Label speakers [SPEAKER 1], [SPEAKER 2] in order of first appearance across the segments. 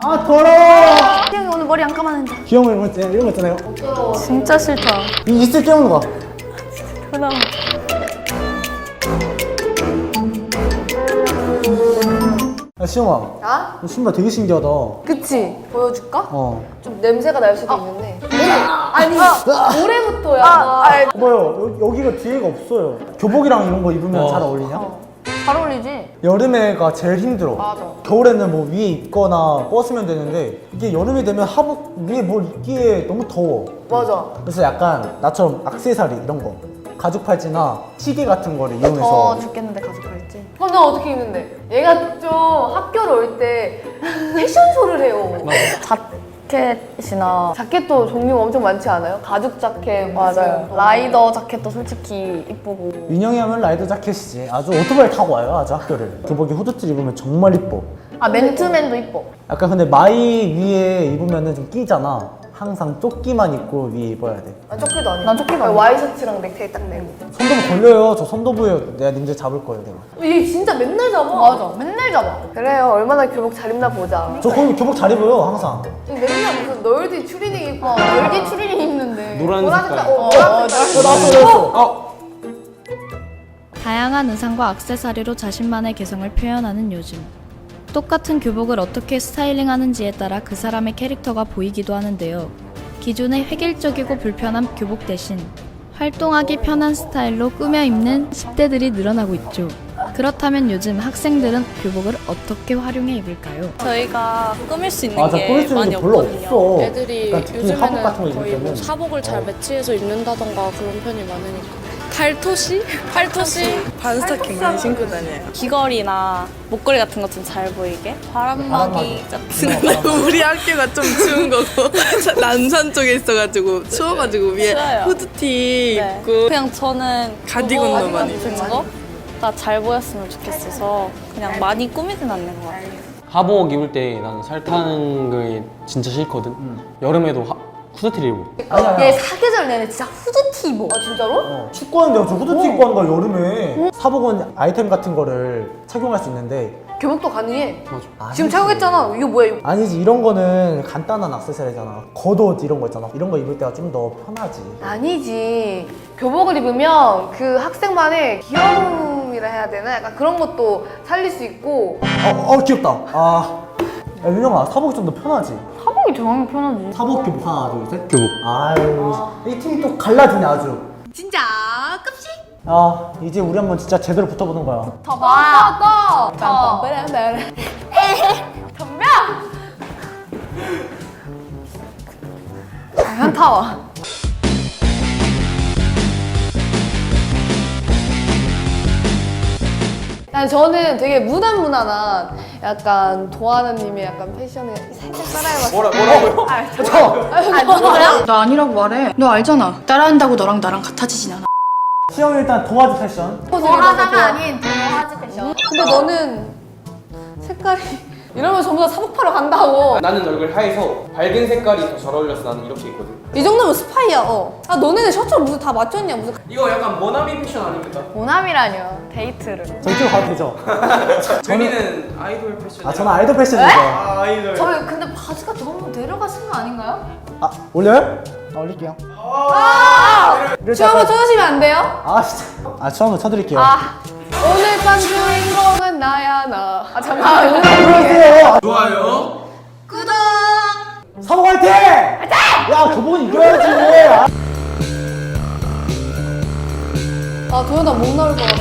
[SPEAKER 1] 아 더러워.
[SPEAKER 2] 희영이 오늘 머리 안 감았는데.
[SPEAKER 1] 귀여운 이런 거 있잖아요.
[SPEAKER 2] 진짜 싫다.
[SPEAKER 1] 이 이슬 깨우는 거.
[SPEAKER 2] 그럼.
[SPEAKER 1] 야 시영아,
[SPEAKER 3] 아?
[SPEAKER 1] 너 신발 되게 신기하다.
[SPEAKER 3] 그치? 보여줄까?
[SPEAKER 1] 좀
[SPEAKER 3] 냄새가 날 수도 있는데. 아니, 올해부터야.
[SPEAKER 1] 봐요, 여기가 뒤에가 없어요. 교복이랑 이런 거 입으면 잘 어울리냐?
[SPEAKER 2] 잘 어울리지?
[SPEAKER 1] 여름에가 제일 힘들어.
[SPEAKER 3] 맞아.
[SPEAKER 1] 겨울에는 뭐 위에 입거나 벗으면 되는데 이게 여름이 되면 하복 위에 뭘 입기에 너무 더워.
[SPEAKER 3] 맞아.
[SPEAKER 1] 그래서 약간 나처럼 액세서리 이런 거, 가죽 팔찌나 시계 같은 거를 이용해서.
[SPEAKER 2] 죽겠는데 가져갈지.
[SPEAKER 3] 그럼 너 어떻게 입는데? 얘가 좀 학교를 올 때 패션쇼를 해요.
[SPEAKER 2] 자켓이나
[SPEAKER 3] 자켓도 종류가 엄청 많지 않아요? 가죽 자켓.
[SPEAKER 2] 맞아요. 라이더 자켓도 솔직히 이쁘고.
[SPEAKER 1] 민영이 하면 라이더 자켓이지. 아주 오토바이 타고 와요, 아주 학교를. 교복에 후드티 입으면 정말 이뻐.
[SPEAKER 2] 아 맨투맨도 이뻐.
[SPEAKER 1] 약간 근데 마이 위에 입으면은 좀 끼잖아. 항상 조끼만 입고 위에 입어야 돼.
[SPEAKER 3] 아, 조끼도 아니고.
[SPEAKER 2] 난 조끼도 아니고.
[SPEAKER 3] 와이셔츠랑 넥타이 딱 내고.
[SPEAKER 1] 손도부 걸려요. 저 손도부에 내가 님들 잡을 거예요, 내가.
[SPEAKER 3] 얘 진짜 맨날 잡아.
[SPEAKER 2] 맞아. 맨날 잡아.
[SPEAKER 3] 그래요. 얼마나 교복 잘 입나 보자.
[SPEAKER 1] 저 거기 교복 잘 입어요, 항상.
[SPEAKER 3] 맨날 무슨 널디 추리닝 입고.
[SPEAKER 2] 열기 추리닝 입는데.
[SPEAKER 4] 노란 색깔.
[SPEAKER 3] 노란 색깔.
[SPEAKER 1] 나왔어.
[SPEAKER 5] 다양한 의상과 액세서리로 자신만의 개성을 표현하는 요즘. 똑같은 교복을 어떻게 스타일링하는지에 따라 그 사람의 캐릭터가 보이기도 하는데요. 기존의 획일적이고 불편한 교복 대신 활동하기 편한 스타일로 꾸며 입는 10대들이 늘어나고 있죠. 그렇다면 요즘 학생들은 교복을 어떻게 활용해 입을까요?
[SPEAKER 6] 저희가 꾸밀 수 있는
[SPEAKER 1] 맞아,
[SPEAKER 6] 게
[SPEAKER 1] 꾸밀 수 있는
[SPEAKER 6] 많이
[SPEAKER 1] 게 별로
[SPEAKER 6] 없거든요.
[SPEAKER 1] 없어.
[SPEAKER 6] 애들이
[SPEAKER 1] 그러니까 특히 하복 같은 거
[SPEAKER 6] 요즘에는
[SPEAKER 1] 입을
[SPEAKER 6] 거의 뭐
[SPEAKER 1] 때는.
[SPEAKER 6] 사복을 잘 매치해서 입는다던가 그런 편이 많으니까. 팔토시? 팔토시? 반스타킹 많이 신고 다녀요. 귀걸이나 목걸이 같은 것 좀 잘 보이게. 바람막이 같은 거.
[SPEAKER 7] 우리 학교가 좀 추운 거고 남산 쪽에 있어가지고 추워가지고 위에
[SPEAKER 6] 추워요.
[SPEAKER 7] 후드티
[SPEAKER 6] 네.
[SPEAKER 7] 입고
[SPEAKER 6] 그냥 저는
[SPEAKER 7] 가디건도 많이
[SPEAKER 6] 같은 거가 잘 보였으면 좋겠어서 그냥 많이 꾸미진 않는 것 같아요.
[SPEAKER 4] 하복 입을 때 나는 살 타는 게 진짜 싫거든. 여름에도 후드티를 입어.
[SPEAKER 2] 얘 사계절 내내 진짜 후드티 입어.
[SPEAKER 3] 아, 진짜로?
[SPEAKER 1] 축구하는데 저 후드티 입고 하는 거야, 여름에. 사복은 아이템 같은 거를 착용할 수 있는데.
[SPEAKER 3] 교복도 가능해.
[SPEAKER 1] 아니지.
[SPEAKER 3] 지금 착용했잖아. 이거 뭐야, 이거.
[SPEAKER 1] 아니지, 이런 거는 간단한 액세서리잖아. 겉옷 이런 거 있잖아. 이런 거 입을 때가 좀 더 편하지.
[SPEAKER 3] 아니지. 교복을 입으면 그 학생만의 귀여움이라 해야 되나? 약간 그런 것도 살릴 수 있고.
[SPEAKER 1] 귀엽다. 야, 윤영아, 사복이 좀 더 편하지?
[SPEAKER 2] 사복이 정말 편하지.
[SPEAKER 1] 사복 교복 하나, 둘, 셋.
[SPEAKER 4] 교복.
[SPEAKER 1] 아유, 이 팀이 또 갈라지네, 아주.
[SPEAKER 3] 진짜 끔찍?
[SPEAKER 1] 이제 우리 한번 진짜 제대로 붙어보는 거야.
[SPEAKER 2] 더 봐.
[SPEAKER 3] 더.
[SPEAKER 2] 덤벼. 현타와.
[SPEAKER 3] 저는 되게 무난무난한 약간 도하나님의 약간 패션을 살짝 따라해봤어요.
[SPEAKER 4] 뭐라고요?
[SPEAKER 8] 나 아니라고 말해. 너 알잖아. 따라한다고 너랑 나랑 같아지진 않아.
[SPEAKER 1] 시영 일단 도화지 패션.
[SPEAKER 2] 도화자가 아닌 도화지 패션.
[SPEAKER 3] 근데 너는 색깔이 이러면 전부 다 사복파러 간다고.
[SPEAKER 4] 나는 얼굴 하얘서 밝은 색깔이 더 잘 어울려서 나는 이렇게 입거든.
[SPEAKER 3] 이 정도면 스파이야. 아 너네는 셔츠를 무슨 다 맞췄냐 무슨.
[SPEAKER 4] 이거 약간 모나미 패션 아닙니까?
[SPEAKER 2] 모남이라뇨. 데이트를.
[SPEAKER 1] 저 이쪽으로 가도 되죠?
[SPEAKER 4] 저희는 아이돌 패션.
[SPEAKER 1] 저는 아이돌 패션이죠.
[SPEAKER 4] 아이돌.
[SPEAKER 2] 저희 근데 바지가 너무 내려가신 거 아닌가요?
[SPEAKER 1] 올려요? 올릴게요. 이럴 때
[SPEAKER 3] 춤 한번
[SPEAKER 1] 약간-
[SPEAKER 3] 쳐주시면 안 돼요?
[SPEAKER 1] 진짜. 춤 한번 쳐드릴게요.
[SPEAKER 3] 오늘 밤 주인공은 나야 나. 잠깐만.
[SPEAKER 1] 그러세요.
[SPEAKER 4] 좋아요.
[SPEAKER 1] 사복 화이팅! 야, 교복은 이겨야지.
[SPEAKER 3] 도현아 못 나올 것 같아.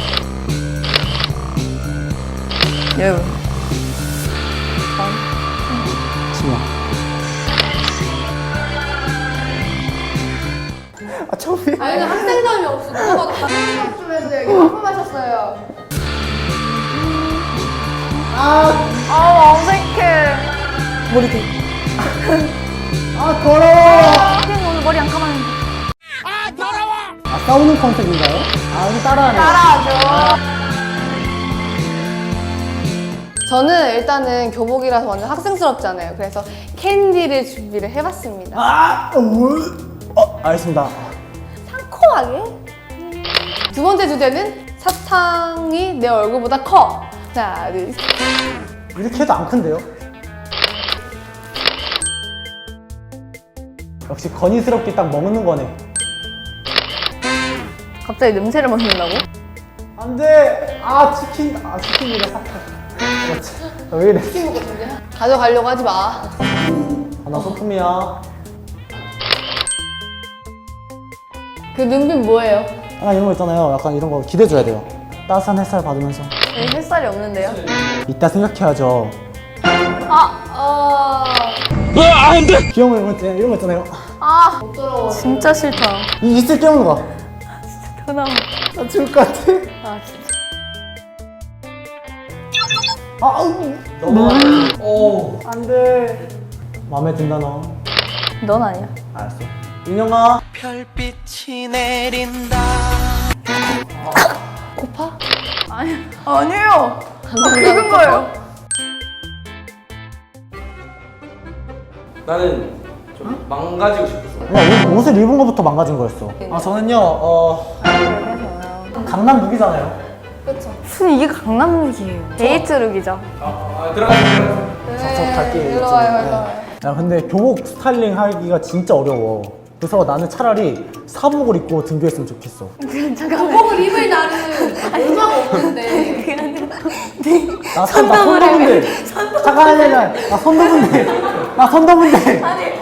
[SPEAKER 1] 처음에.
[SPEAKER 3] 아니 학생점이 없어. 누가 봐도 학생점 쪽에서 여기 한번 마셨어요.
[SPEAKER 2] 어색해.
[SPEAKER 1] 더러워.
[SPEAKER 2] 희영이 오늘 머리 안 감았는데.
[SPEAKER 1] 싸우는 컨셉인가요? 우리 따라하네.
[SPEAKER 3] 저는 일단은 교복이라서 완전 학생스럽잖아요. 그래서 캔디를 준비를 해봤습니다.
[SPEAKER 1] 알겠습니다.
[SPEAKER 3] 상콤하게. 두 번째 주제는 사탕이 내 얼굴보다 커. 하나, 둘, 셋.
[SPEAKER 1] 이렇게 해도 안 큰데요? 역시 건의스럽게 딱 먹는 거네.
[SPEAKER 2] 갑자기 냄새를 맡는다고?
[SPEAKER 1] 안돼. 아 치킨. 아 치킨이래. 그렇지. 왜 이래?
[SPEAKER 3] 가져가려고 하지 마.
[SPEAKER 1] 나 소품이야.
[SPEAKER 3] 그 눈빛 뭐예요?
[SPEAKER 1] 약간 이런 거 있잖아요. 약간 이런 거 기대줘야 돼요. 따스한 햇살 받으면서.
[SPEAKER 2] 여기 햇살이 없는데요?
[SPEAKER 1] 이따 생각해야죠. 귀여운 거 이런 거 있잖아요.
[SPEAKER 2] 진짜 싫다.
[SPEAKER 1] 이 입술 깨우는 거.
[SPEAKER 2] 편함.
[SPEAKER 1] 나 죽을 것 같아.
[SPEAKER 2] 아 진짜.
[SPEAKER 1] 오. 안돼. 마음에 든다 너.
[SPEAKER 2] 넌 아니야.
[SPEAKER 1] 알았어. 인형아.
[SPEAKER 9] 별빛이 내린다.
[SPEAKER 2] 아니에요. 익은 거예요.
[SPEAKER 4] 나는 좀 망가지고 싶었어.
[SPEAKER 1] 그냥 옷을 입은 거부터 망가진 거였어. 아 저는요 강남 룩이잖아요.
[SPEAKER 2] 무슨 이게 강남룩이에요. 데이트 룩이죠.
[SPEAKER 4] 들어가.
[SPEAKER 1] 저 갈게요.
[SPEAKER 3] 일로 와요, 일로 와요.
[SPEAKER 1] 야 근데 교복 스타일링 하기가 진짜 어려워. 그래서 나는 차라리 사복을 입고 등교했으면 좋겠어.
[SPEAKER 3] 교복을 입을 날은 얼마가 없는데.
[SPEAKER 1] 나 손더분데. 잠깐만요. 나 손더분데.